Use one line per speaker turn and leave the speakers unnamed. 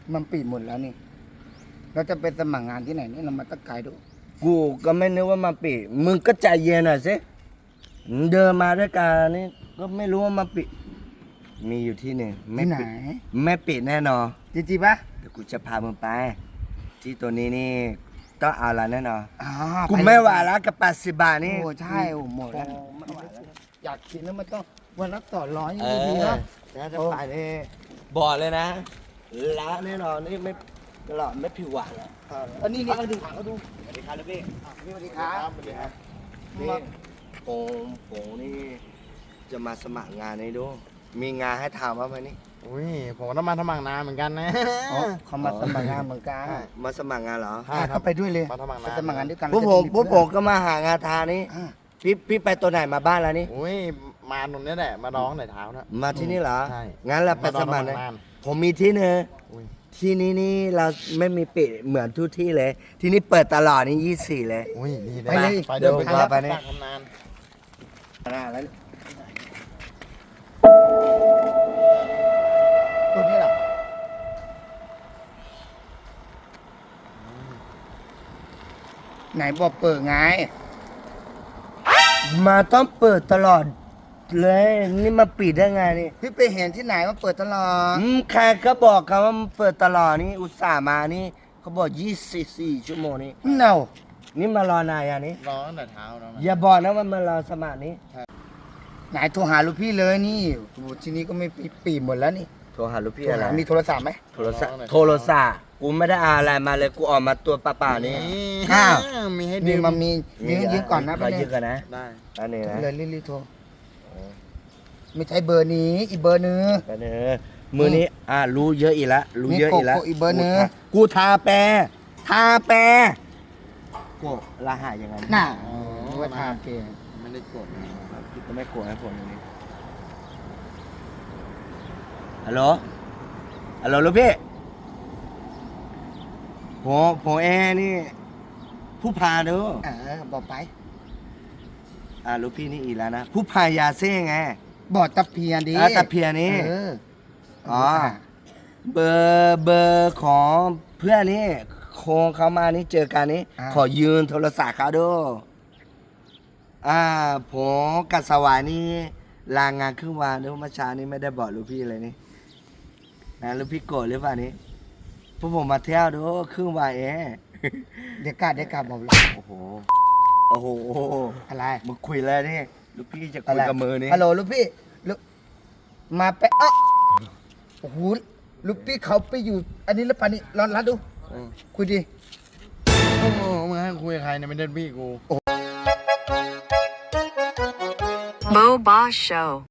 มันปิดหมดแล้วนี่เราจะไปสมัครงานที่ไหนนี่เรามาตะไกลดู
กูก็ไม่นึกว่ามาปิดมึงก็ใจเย็นหน่อยสิเดินมาด้วยกันนี่ก็ไม่รู้ว่ามาปิดมีอยู่ที่หนึ่งไม่
ที่ไหน
ปิดไม่ปิดแน่นอน
จริงๆปะ
เดี๋ยวกูจะพามึงไป ที่ตัวนี้นี่ต้องเอาละแน่นอน
อ๋อ
กูไม่ไหวแล้วกับ80 บาทนี่
โอ้ใช่โอ้หมดแล้ว
ไม่ไหวแล้ว
อยากกินแล้วมันต้องวันละ200
เอ
ดี
อ
ๆเนาะ
แล้วจะไปนี่บอกเลยนะละแน่นอนนี่ไม่ตลอดไม่ผิวหวานแล้ว
อันนี้นี่
เอาดูเอาดูสวัสดีครับลูกพี่
สวัสดีครับ
สวัสดีครับนี่ผมนี่จะมาสมัครงานนี้ดูมีงานให้ทำบ้างไหมนี่
อุ้ยผมก็ต้องมาสมัครงานเหมือนกันนะ
อ๋อเขามาสมัครงานเหมือนกัน
มาสมัครงานเหรอ
ใช่ครับ
เขาไปด้วยเลย
มาสมัครงาน
ไปสมัครงานด้วยกัน
พวกผมก็มาหางานทานี่
อ่า
พี่ไปตัวไหนมาบ้านแล้วนี่
อุ้ยมาตรงนี้แหละมาร้องในเท้านะ
มาที่นี่เหรอ
ใช่
งั้นเราไปสมัคร
มา
นะ
งาน
ผมมีที่หนึง
อุ้ย
ที่นี่นี่เราไม่มีปิดเหมือนทุกที่เลย ที่นี่เปิดตลอดนี่24เลย
อุ้ยดี
ไปเลย
ไปเดิน
ไป
ไป
เลยไปเลย
ทำงาน
แล้ว
ตัวนี้เหรอไหนบอกเปิดไง
มาต้องเปิดตลอดเลยนี่มาปิดได้ไงนี่
พี่ไปเห็นที่ไหนว่าเปิดตลอด
ใครก็บอกกันว่ามันเปิดตลอดนี่อุตส่าห์มานี่เขาบอก24 ชั่วโมงนี่
เน่า
นี่มารอนายอ่ะนี่
ร้องตั้งแต่เท้าแล้วนะ
อย่าบอกนะว่ามารอสมัครนี่
ไหนโทรหาลูกพี่เลยนี่โอ้โหทีนี้ก็ไม่ปีหมดแล้วนี่
โทรหาลูกพี่
โทร
อะไร
หามีโทรศัพท์ไหม
โทรศัพท์กูไม่ได้เอาอะไรมาเลยกูออกมาตัวเปล่าๆนี่
อ้าว
มีให้
มี
ดื่ม
มามียืมก่อนนะ
ขอยืม
ไป
ก่อนนะ
ได้
อันนี้นะ
เลยรีบๆโทรไม่ใช่เบอร์นี้อีกเบอร์นึง
อันนี้มือนี้รู้เยอะอีกแล้วรู้เยอะอีกแล้ว
นี่โกโก้อีกเบอร์หนึ่ง
กูทาแปรโกรหัสยังไง
น่ะ
อ๋อ
ว่าทางเกม
ไม่ได้กดนะ
พี่ก็ไม่โกรธให้ผมตรงนี้ฮัลโหลลูกพี่ผมเอนี่ผู้พาดู
บอกไป
ลูกพี่นี่อีกแล้วนะผู้พายาเซ่ไง
บอกตะเพียนดิ
ตะเพียนี่
เออ
อ๋อ เบอร์ของเพื่อนนี่โคงเขามานี่เจอกันนี่ขอยืนโทรศัพท์เขาดูผมกับสวายนี่ลางานครึ่งวันเดี๋ยวเมื่อเช้านี้ไม่ได้บอกลูกพี่เลยนี่นะลูกพี่โกรธหรือเปล่านี่พวกผมมาเที่ยวดูครึ่งวันเอง
เดี๋ยวกลับบอกเลย
โอ้โห
อะไร
มึงคุยเลยนี่ลูกพี่จะคุยกับมือนี่
ฮัลโหลลูกพี่ลูกมาไปโอ้โหลูกพี่เขาไปอยู่ อันนี้แล้วปานี่ร้อนรัดดู คุยดิ
โอ้โหมึงให้คุยกับใครเนี่ยไม่ได้พี่กู
Mo Boss Show.